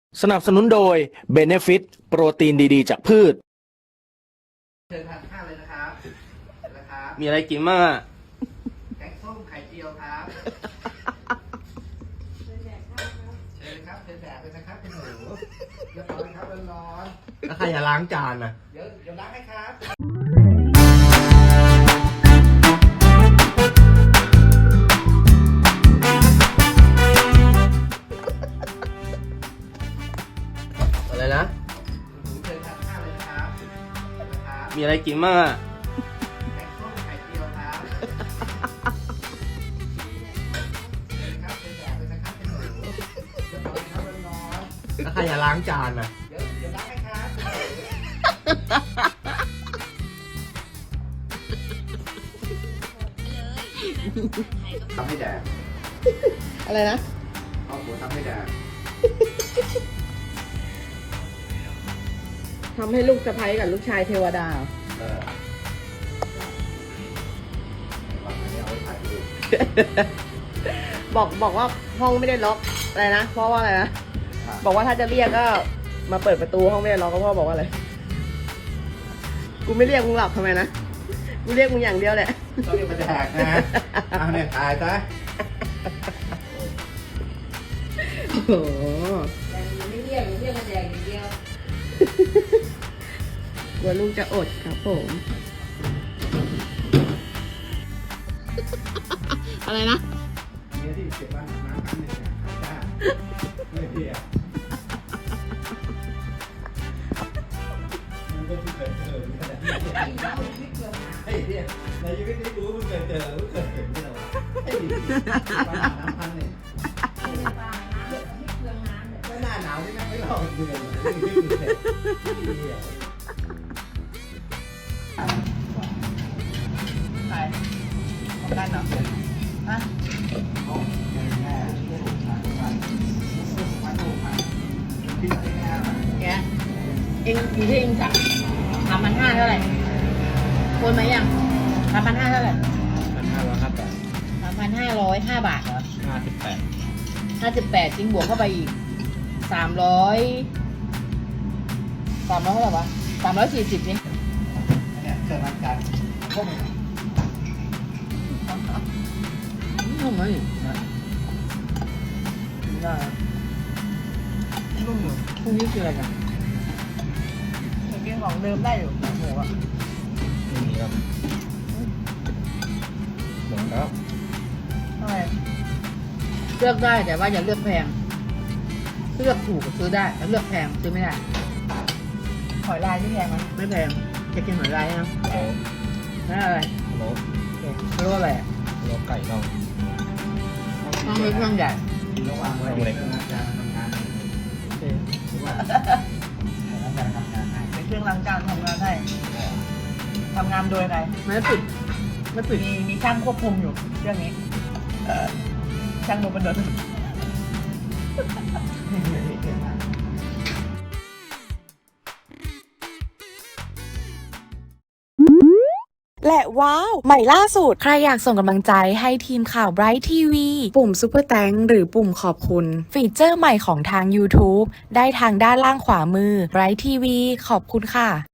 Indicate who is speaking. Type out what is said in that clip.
Speaker 1: สนับสนุนโดย Benefit โปรตีนดีๆจากพืช
Speaker 2: เชิญทานข้าวเลยนะครับนะครับ
Speaker 3: มีอะไรกินบ้างอ่ะ
Speaker 2: แกงส้มไข่เจียวครับเชิญครับเชิญแดดเลยนะครับคุณหนูเรียบร้อยครับร้อน
Speaker 3: แล้วใครจะล้างจานอ่ะ
Speaker 2: ๆเดี๋ยวล้างให้ครับ
Speaker 3: อะไรนะ
Speaker 2: หนูเชิญทานข้าวเลยนะครับ
Speaker 3: มีอะไรกินบ้างอ่ะ
Speaker 2: แกงส้มไข่เจียวครับเชิญครับเชิญแดดเลยนะครับคุณหนูเรียบร้อยครับร้อน
Speaker 3: แล้วใครจะล้างจานอ่ะ
Speaker 2: ๆเดี๋ยวล้างให้ครับทำให้แดด
Speaker 4: อะไรนะ
Speaker 2: เอาหัวทำให้แดด
Speaker 4: ทำให้ลูกสะใภ้กับลูกชายเทวดา
Speaker 2: เอาไว้ถ่ายรูป
Speaker 4: บอกว่าห้องไม่ได้ล็อกอะไรนะเพราะว่าอะไรนะบอกว่าถ้าจะเรียกก็มาเปิดประตูห้องไม่ได้ล็อกก็พ่อบอกว่าอะไรกูไม่เรียกมึงหลับทำไมนะกูเรียกมึงอย่างเดียวแหละ
Speaker 2: ต้องเรียกมาแดกนะเอาเนี่ยถ่ายซะ
Speaker 4: โอ้โห
Speaker 5: ไม่เรียกมาแดกอย่างเดียว
Speaker 4: กลัวลูกจะอดครับผมอะไรนะ
Speaker 2: เนี่ยที่เก็บว่าน้ำกันเนี่ยได้ไม่เพียมันก็เพิ่งเคยเจอเหมือนกันนะไอ้เนี่ยในชีวิตนี้กูเพิ่งเคยเจอเพิ่งเคยเห็นนี่แหละวะไอ้ดิปลาน้ำพันเนี่ยไม่หน้าหนาวนี่ไม่รอดเดือนเลยนี่คือเด็กเดียว
Speaker 4: ใครของกันเหรอฮะแกเองอยู่ที่เองสั่ง3,500เท่าไหร่โอนมายัง3,500เท่าไหร่ 3,505 บาทเหรอ 58จริงบวกเข้าไปอีก300เท่าไหร่วะ340นี่
Speaker 2: เนี่ยเกิดมาจากพวกมัน
Speaker 4: ทำไมได้นุ่มอยู่พรุ่งนี้คืออะไรกันกินของเดิมได้อยู่หมูอ่ะ
Speaker 3: ไม่มีครับหมดแล้ว
Speaker 4: ทำไมเลือกได้แต่ว่าอย่าเลือกแพงเลือกถูกก็ซื้อได้แต่เลือกแพงซื้อไม่ได้หอยลายที่แพงไหมไม่แพงจะกินหอยลายนะ
Speaker 3: โอ้
Speaker 4: นั่นอะไร
Speaker 3: โห
Speaker 4: เรียกว่าอะไรอ่ะ
Speaker 3: โลไก่น่อง
Speaker 4: ต้องเล็กต้องใหญ่
Speaker 2: ระหว่างวัยเด็กกำลังจะทำงานหรือว่าแล้วการทำงานให้
Speaker 4: เป็นเครื่องล้างจานทำงานให้ทำงานโดยอะไรไม่ปิดมีช่างควบคุมอยู่เรื่องนี้ช่างโดนบันดาล
Speaker 6: และว้าว ใหม่ล่าสุด ใครอยากส่งกำลังใจให้ทีมข่าว Bright TV ปุ่ม Super Thanks หรือปุ่มขอบคุณ ฟีเจอร์ใหม่ของทาง YouTube ได้ทางด้านล่างขวามือ Bright TV ขอบคุณค่ะ